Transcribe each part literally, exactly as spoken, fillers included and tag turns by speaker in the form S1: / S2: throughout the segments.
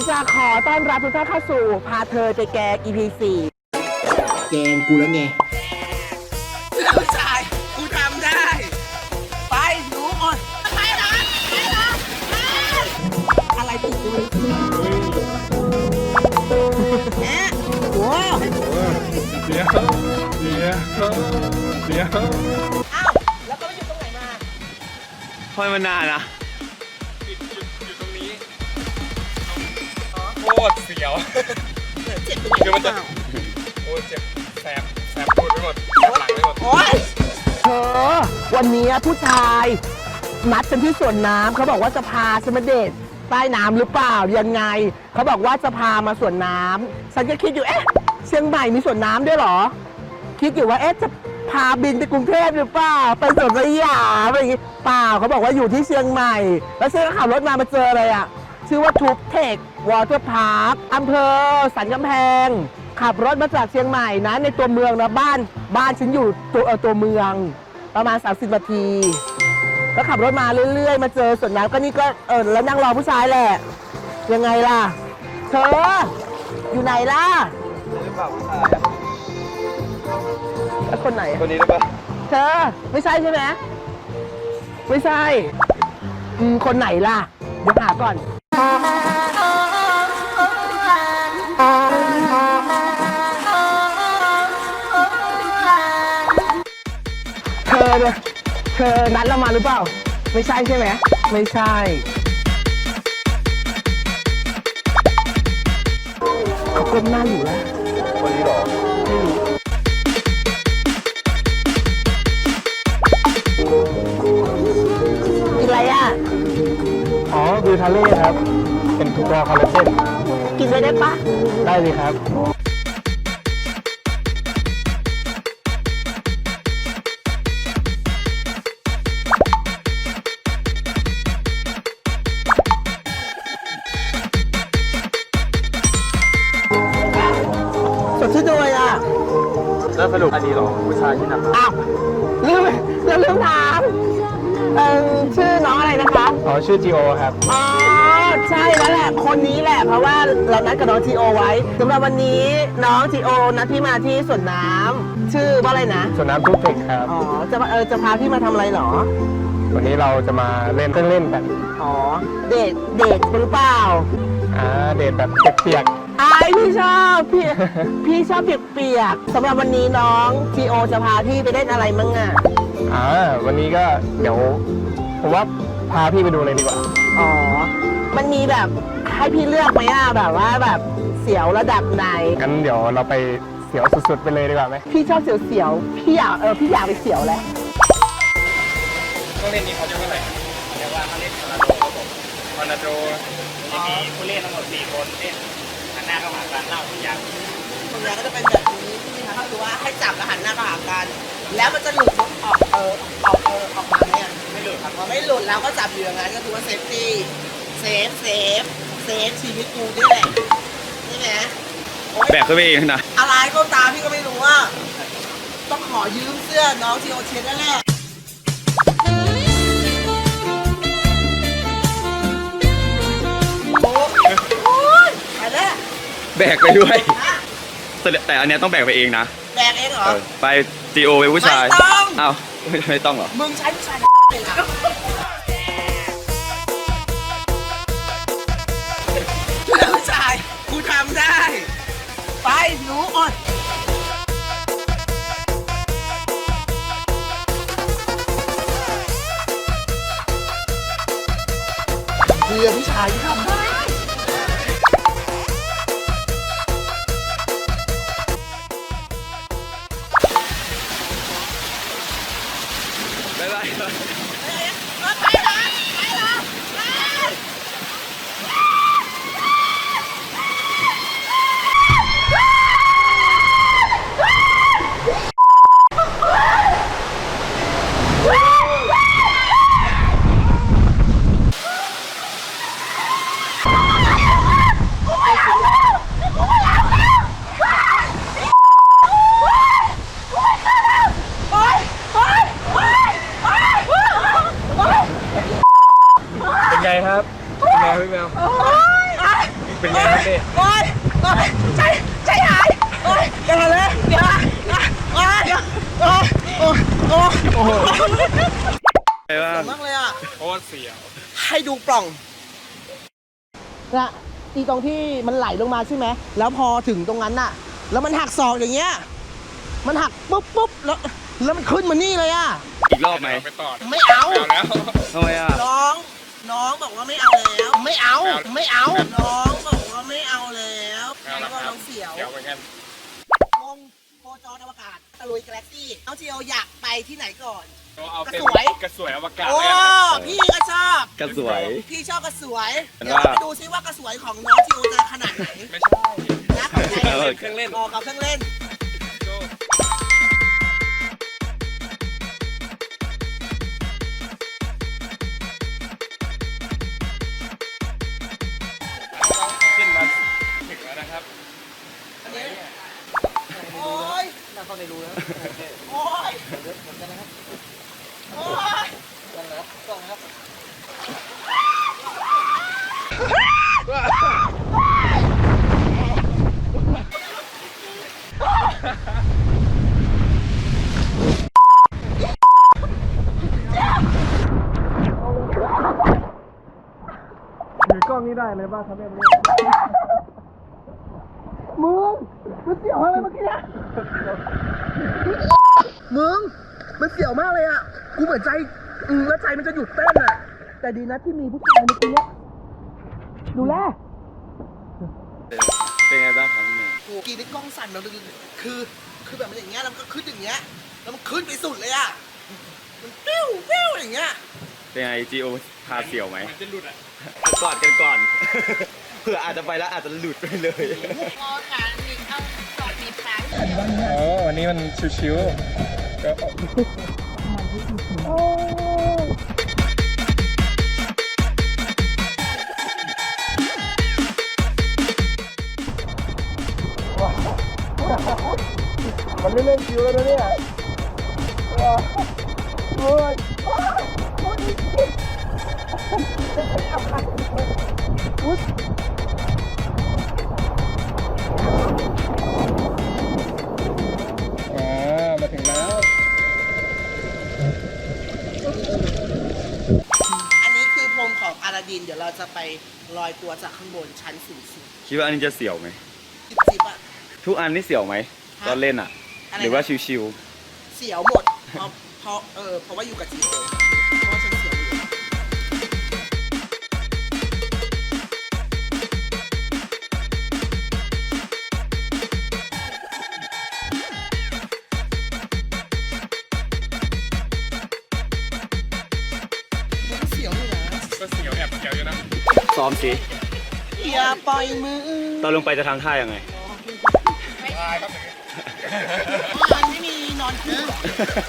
S1: จะขอต้อนรับทุกท่านเข้าสู่พาเธอไปแกง อี พี สี่แกงกูแล้วไงผู้ชายกูทำได้ไปหนูอ่อนไปนะไปนะอะไรติดด้วยแม่โอ้
S2: เดี๋ยวเดี๋ยวเดี๋ยว
S1: อ้าวแล้วก็ไปอยู่ตรงไหนมา
S2: ทำไมมันนานนะอยู่อยู่ตรงนี้โคตรเสียว
S1: เจ็บตรงไหนคือมันจะ
S2: โอ้เจ็บแสบแสบปวดไปหมดหลังไปหมด
S1: โอ้ยเธอวันนี้ผู้ชายนัดกันที่สวนน้ำเขาบอกว่าจะพาฉันมาเดทใต้น้ำหรือเปล่ายังไงเขาบอกว่าจะพามาสวนน้ำฉันก็คิดอยู่เอ๊ะเชียงใหม่มีสวนน้ำด้วยเหรอคิดอยู่ว่าเอ๊ะจะพาบินไปกรุงเทพหรือเปล่าไปสวนสยามอะไรอย่างงี้เปล่าเขาบอกว่าอยู่ที่เชียงใหม่แล้วฉันก็ขับรถมามาเจออะไรอ่ะชื่อว่าทูบเทควอเตอร์พาร์คอำเภอสันกำแพงขับรถมาจากเชียงใหม่นะในตัวเมืองนะบ้านบ้านฉันอยู่ตัวเออตัวเมืองประมาณสามสิบนาทีก็ขับรถมาเรื่อยๆมาเจอสวนน้ำก็นี่ก็เออแล้วนั่งรอผู้ชายแหละยังไงล่ะเธออยู่ไหนล่ะ
S2: หรือเปล่าผู้ชาย
S1: แล้วคนไหน
S2: คนนี้หรือเปล่า
S1: เธอไม่ใช่ใช่ไหมไม่ใช่อืมคนไหนล่ะเดี๋ยวหาก่อนเธอเนี่ยเธอนัดเรามาหรือเปล่าไม่ใช่ใช่ไหมไม่ใช่เขาก้มหน้าอยู่แล้ว
S2: คนนี้หรอ
S1: กินอะไรอ่ะ
S2: อ๋อคือทะเลครับเป็นตัวคอลลาเจน
S1: กินได้ได้ปะ
S2: ได้เลยครับ
S1: สดชื่นด้วยอ่ะ
S2: แล้วสรุปอันนี้หรอผู้ชายที่นำ
S1: อ้าวลืมแล้วลืมถามเออชื่อน้องอะไรนะคะ
S2: อ๋อชื่อจีโอครับ
S1: อ๋อใช่แล้วแหละคนนี้แหละเพราะว่าเรานัดกับน้องจีโอไว้สำหรับวันนี้น้องจีโอนัดพี่มาที่สวนน้ำชื่อว่าอะไรนะ
S2: สวนน้ำทุกเทคครับ
S1: อ๋อจะเออจะพาพี่มาทำอะไรหรอ
S2: วันนี้เราจะมาเล่นเครื่องเล่นกัน
S1: อ๋อเดทเดทหรือเปล่า
S2: อ่าเดทแบบเปียก
S1: ไอพี่ชอบพี่พี่ชอบเปียกๆสำหรับวันนี้น้องจีโอจะพาพี่ไปเล่นอะไรมั่งอ่ะ
S2: อ่าวันนี้ก็เดี๋ยวผมว่าพาพี่ไปดูเลยดีกว่า
S1: อ๋อมันมีแบบให้พี่เลือกไหมอ่ะแบบว่าแบบเสียวระดับไหน
S2: งั้นเดี๋ยวเราไปเสียวสุดๆไปเลยดีกว่าไหม
S1: พี่ชอบเสียวเสียวพี่อยากเออพี่อยากไปเสียวแหละ
S2: เครื่องเล่นนี้เขาจะเท่าไหร่เรียกว่าเขาเล่นทอร์นาโดครับผมทอร์นาโดจะมีผู้เล่นทั้งหมดสี่คนเล่นหันหน้าเข้าหากันเล่าทุกอย่าง
S1: ทุกอย่างก็จะเป็นแบบนี้ใช่ไหมคะก็คือว่าให้จับแล้วหันหน้าเข้าหากันแล้วมันจะหลุดออกเออออกเออออกมาเนี่ย
S2: ไม่หลุดครับ
S1: พอไม่หลุดแล้วก็จับอยู่อย่างนั้นก็ถือว่าเซฟตี้เซฟเซฟเซฟชีวิตกูด้วยแหละใช่ไหม
S2: แบกขึ้นไปเองนะ
S1: อะไรก็ตามพี่ก็ไม่รู้ว่าต้องขอยืมเสื้อน้องทีโอเชนนั่นแหละโอ้ยไปแล้ว
S2: แบกไปด้วยแต่อันนี้ต้องแบกไปเองนะ
S1: แบกเองเหรอ
S2: ไปจีโอเป็นผู้ชาย
S1: ไม่ต้อง
S2: อ้าวไม่ต้องเหรอ
S1: มึงใช้ผู้ชายเป็นอะผู้ชายกูทำได้ไปหนูอ่อนเพื่อผู้ชายที่ทำได้
S2: บ๊ายบาย
S1: ไปละไปละ
S2: ดิ
S1: โอ๊ยโอ๊ยใจใจหายโอ๊ยอย่าเลยอย่าโอ๊ยโอ๊ยโอ๊ยโอ๊ย
S2: โอ้โห
S1: สวยมากเลยอ่ะ
S2: โคตรเสียว
S1: ให้ดูปล่องนะอีตรงที่มันไหลลงมาใช่ไหมแล้วพอถึงตรงนั้นน่ะ แล้วมันหักศอกอย่างเงี้ยมันหักปุ๊บปุ๊บแล้วแล้วมันขึ้นมานี่เลยอ่ะ
S3: อีกรอบไหม
S2: ไปต่อ
S1: ไม่เอา
S2: เอาแล้ว
S3: ทำไมอ่ะ
S1: น้อง น้องบอกว่าไม่เอาแล้ว ไม่เอา ไม่เอา น้องบอกว่าไม่เอาแล้วแล้วก็น้องเสียว
S2: เสียวเหมือนกัน
S1: วงโคจรอวกาศตะลุยกาแล็กซี่น้องเจียวอยากไปที่ไหนก่อน
S2: เอาเป็น
S1: กระสวย
S2: กระสวยอวกาศ
S1: โอ้
S2: เลยนะ
S1: พี่ก็ชอบ
S3: กระสวย
S1: พี่ชอบกระสวย
S3: เป็น
S1: เดี๋ยว
S3: ว่า
S1: เราไปดูซิว่ากระสวยของน้องจิวจะขนาดไหน
S2: ไม่ใช่
S1: นะของใคร
S3: เออ
S2: เครื่องเล่น
S1: ออกกับเครื่องเล่น
S2: ขึ้นมาถึงแล้วนะครับ
S1: อันนี้โอ้ยน่าเข้าในรูแล้วโอ้ยเหมือนกันนะครับโอ้ยต้องนะครับต้องนะครับ
S2: ถือกล้องนี้ได้เลยป่ะครับแม่
S1: มึงมันเสียวอะไรเมื่อกี้เนี่ยมึงมันเสียวมากเลยอ่ะกูเหมือนใจอืมแล้วใจมันจะหยุดเต้นอ่ะแต่ดีนะที่มีผู้ชายเมื่อกี้เนี่ยดูแล
S3: เป็นไงบ้างครับพี่เมย์
S1: โอ้กีนี่กล้องสั่นแบบคือคือแบบมันอย่างเงี้ยแล้วมันก็ขึ้นอย่างเงี้ยแล้วมันขึ้นไปสุดเลยอ่ะมันปิ้วปิ้วอย่างเงี้ย
S3: เป็นไงจีโอพาเสี่ยวไหม
S2: มันจะหลุดอ่ะ
S3: กอดกันก่อน เผื่ออาจจะไปแล้วอาจจะหลุดไปเลย
S4: พอค่ะมีเอาจอดมีแผล
S2: อ๋อวันนี้มันชิวๆก็
S1: มันไม่เล่นคิวแล้วนะเนี่ยโอ้ยอุ๊ย
S2: อ๋อมาถึงแล้ว
S1: อันนี้คือพรมของอาลาดิน เดี๋ยวเราจะไปลอยตัวจากข้างบนชั้นสูงสุด
S3: คิดว่าอันนี้จะเสี่ยวไหม
S1: จิบจิบอะ
S3: ทุกอันนี่เสี่ยวไหม
S1: ฮะ
S3: ตอนเล่นอ่ะ
S1: อะไรนะ
S3: หรือว่าชิว
S1: เสียวหมด เพราะเพราะเออเพราะว่าอยู่กับจีโอเพราะว่าฉันเสียวอยู่มันเสียวอยู่นะ
S2: ก็เสียวแอบเสียวอยู่นะ
S3: ๆซ้อมสิ
S1: อย่าปล่อยมือ
S3: ตอนลงไปจะทำท่ายังไง
S2: ตายครับ
S1: มันไม่มีนอนคู่หรอ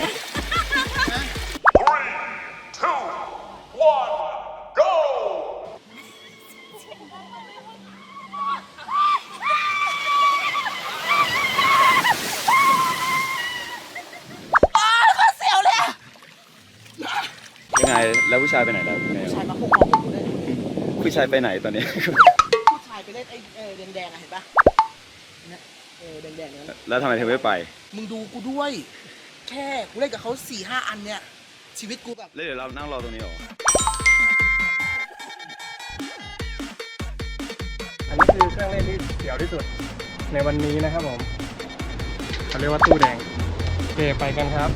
S1: เสียวเลยอะ
S3: ยังไง แล้วผู้ชายไปไหนแล้วพี่เมย์
S1: ชายมาพุ่งของผมเลย
S3: ผู้ชายไปไหนตอนนี้
S1: ผู้ชายไปเล่นไอ้เออแดงๆอะเห็นปะเนี่ยเออแดงๆนั้น
S3: แล้วทำไมเธอไม่ไป
S1: มึงดูกูด้วย แค่กูเล่นกับเขาสี่ห้าอันเนี่ย ชีวิตกูแบบ
S3: แล้วเดี๋ยวเรานั่งรอตรงนี้เหรอ
S2: อันนี้คือเครื่องเล่นที่เสียวที่สุดในวันนี้นะครับผมเขาเรียกว่าตู้แดงโอเคไปกันครับ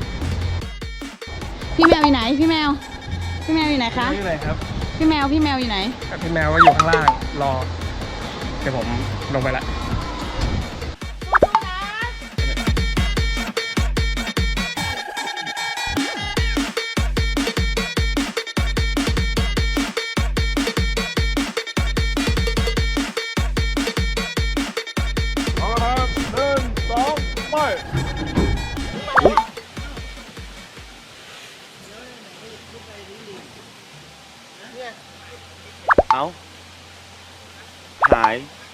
S4: พี่แมวอยู่ไหน พี่แมว พี่แมวอยู่ไหนคะ
S2: นี่เลยครับ
S4: พี่แมว พี่แมวอยู่ไหน
S2: พี่แมวก็อยู่ข้างล่างรอเดี๋ยวผมลงไปละ เอาละครับหนึ่งสองไป
S3: เอ้า หาย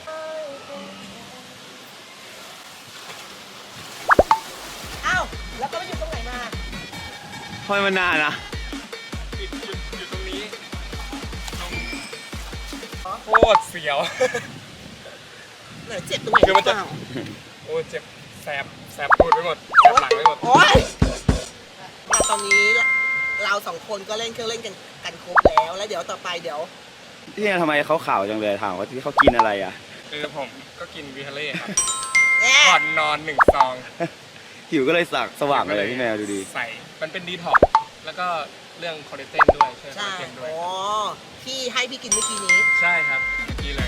S1: อ้าว แล้วก็ไปอยู่ตรงไหนมา
S3: ทำไมมันนานอะ
S2: หยุดหยุดอยู่ตรงนี้โคตรเสียว
S1: ไหนเจ็บตรงไหน
S2: คือมันจะ
S1: เปล่า
S2: โอ้เจ็บแสบแสบตูดไปหมดแสบหลังไปหมด
S1: โอ๊ยมาตอนนี้เราสองคนก็เล่นเครื่องเล่นกันกันครบแล้ว แล้วเดี๋ยวต่อไปเดี๋ยว
S3: ที่ทำไมเขาข่าวจังเลยถามว่าที่เขากินอะไรอ่ะ
S2: คือผมก็กินวิทาเล่ครับ
S1: แอะ
S2: ก่อนนอนหนึ่งซอง
S3: หิวก็เลยสักสว่างเลยพี่แมวดูดี
S2: ใส่มันเป็นดีท็อกซ์แล้วก็เรื่องคอเลสเตอรอลด้วยช่วยคอ
S1: ใช่
S2: เลสเตอรอลด้วย
S1: อ๋อที่ให้พี่กินเมื่อกี้นี้
S2: ใช่ครับเมื่อกี้เลย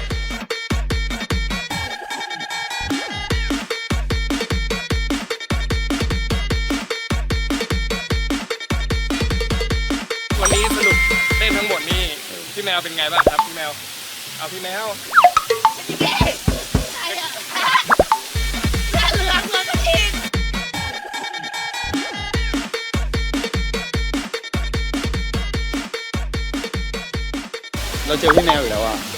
S2: วันนี้สรุปเล่นทั้งหมดนี่พี่แมวเป็นไงบ้างครับพี่แมวเอาพี่แมว
S3: เราเจอพี่แมวอีกแล้วอ่ะ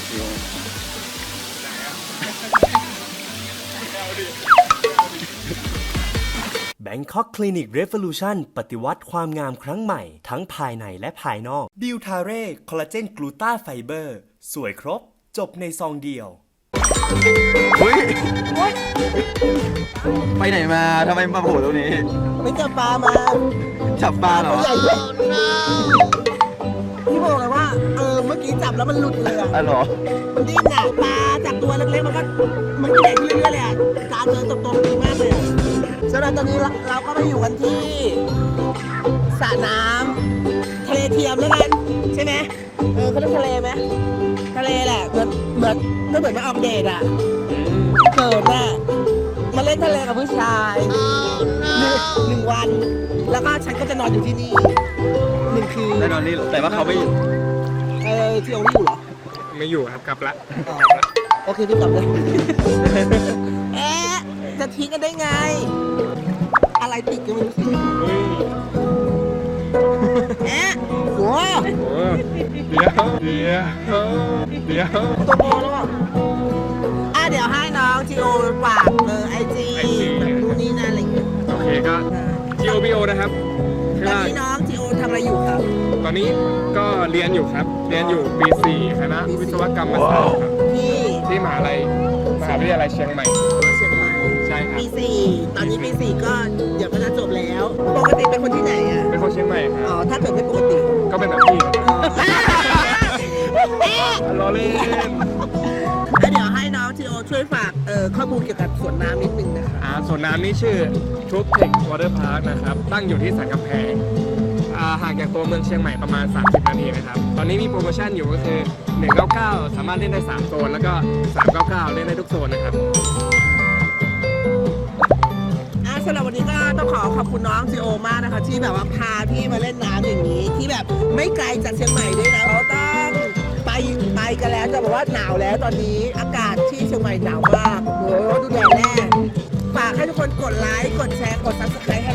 S5: Bangkok Clinic Revolution ปฏิวัติความงามครั้งใหม่ทั้งภายในและภายนอกบิวทาเร่คอลลาเจนกลูตาไฟเบอร์สวยครบจบในซองเดียว
S3: เฮ้ย ไปไหนมาทำไมมาโผล่ตรงนี้
S1: ไปจับปลามา
S3: จับปลาเหรอ
S1: ตัวใหญ่ด้วยพี่บอกเลยว่าเออเมื่อกี้จับแล้วมันหลุดเลยอะ
S3: อ๋อเหรอ
S1: มันดิ้นอะปลาจากตัวเล็กๆมันก็มันใหญ่ขึ้นเรื่อยๆเลยอะตาเจอโตๆดีมากเลยอะสำหรับตอนนี้เราเราก็มาอยู่กันที่สระน้ำทะเลเทียมแล้วกันใช่ไหมเออเขาเรียกทะเลไหมทะเลแหละเหมือนเหมือนก็เหมือนมาออกเดทอะเกิดน่ะมาเล่นทะเลกับผู้ชายหนึ่งหนึ่งวัน แล้วก็ฉันก็จะนอนอยู่ที่นี่หนึ่งคืน
S3: แน่นอนนี่แต่ว่าเขาไม่อยู่
S1: เออที่โอนี่อยู่เหรอ
S2: ไม่อยู่ครับกลับละ
S1: อ๋อโอเคพี่กลับเลย เอ๊ะจะทิ้งกันได้ไง อะไรติดกันไม่รู้สิ
S2: เฮ้ย
S1: เอ๊ะโห
S2: โอ้เดี๋ยวเดี๋ยวเดี๋ยว
S1: ตัวโตแล้วอ่ะอ่ะเดี๋ยวให้น้องจีโอฝากเบอร์ไอจีแบบนู่นนี่นั่นอะไรอย่างเงี้ย
S2: โอเคก็ จี โอ บี โอ นะครับ
S1: ตอนนี้น้องจีโอทำอะไรอยู่ครับ
S2: ตอนนี้ก็เรียนอยู่ครับ เรียนอยู่ปีสี่คณะวิศวกรรมศาสตร์ครับ
S1: ที่
S2: ที่มหาลัยมหาวิทยาลัยเชียงใหม่
S1: เชียงใหม่
S2: ใช่ครับ
S1: ปีสี่ตอนนี้ปีสี่ก็เดี๋ยวก็จะจบแล้ว ปกติเป็นคนที่ไหนอ่ะ
S2: เป็นคนเชียงใหม่ค
S1: อ๋อ
S2: รับ
S1: ถ้าเกิดไม่ปกติ
S2: ก็เป็นแบบพี่
S1: อ๋อ
S2: รอเล่น
S1: แล้วเดี๋ยวให้น้องจีโอช่วยฝากเอ่อข้อมูลเกี่ยวกับสวนน้ำนิดนึงนะคะ
S2: อ่าส่วนน้ำนี่ชื่อทูบเทควอเตอร์พาร์คนะครับ ตั้งอยู่ที่สันกำแพงอ่าห่างจากตัวเมืองเชียงใหม่ประมาณ สามสิบ นาทีนะครับ ตอนนี้มีโปรโมชั่นอยู่ก็คือ หนึ่งเก้าเก้า สามารถเล่นได้ สาม โซน แล้วก็ สามเก้าเก้า เล่นได้ทุกโซนนะครับ
S1: อ่ะสำหรับวันนี้ก็ต้องขอขอบคุณน้องจีโอมากนะคะที่แบบว่าพาพี่มาเล่นน้ำอย่างนี้ ที่แบบไม่ไกลจากเชียงใหม่ด้วยนะเราต้องไปไปกันแล้วจะบอกว่าหนาวแล้วตอนนี้อากาศที่เชียงใหม่หนาวมากโอ้โหดูแดดแน่ฝากให้ทุกคนกดไลค์กดแชร์กดซับสไครต์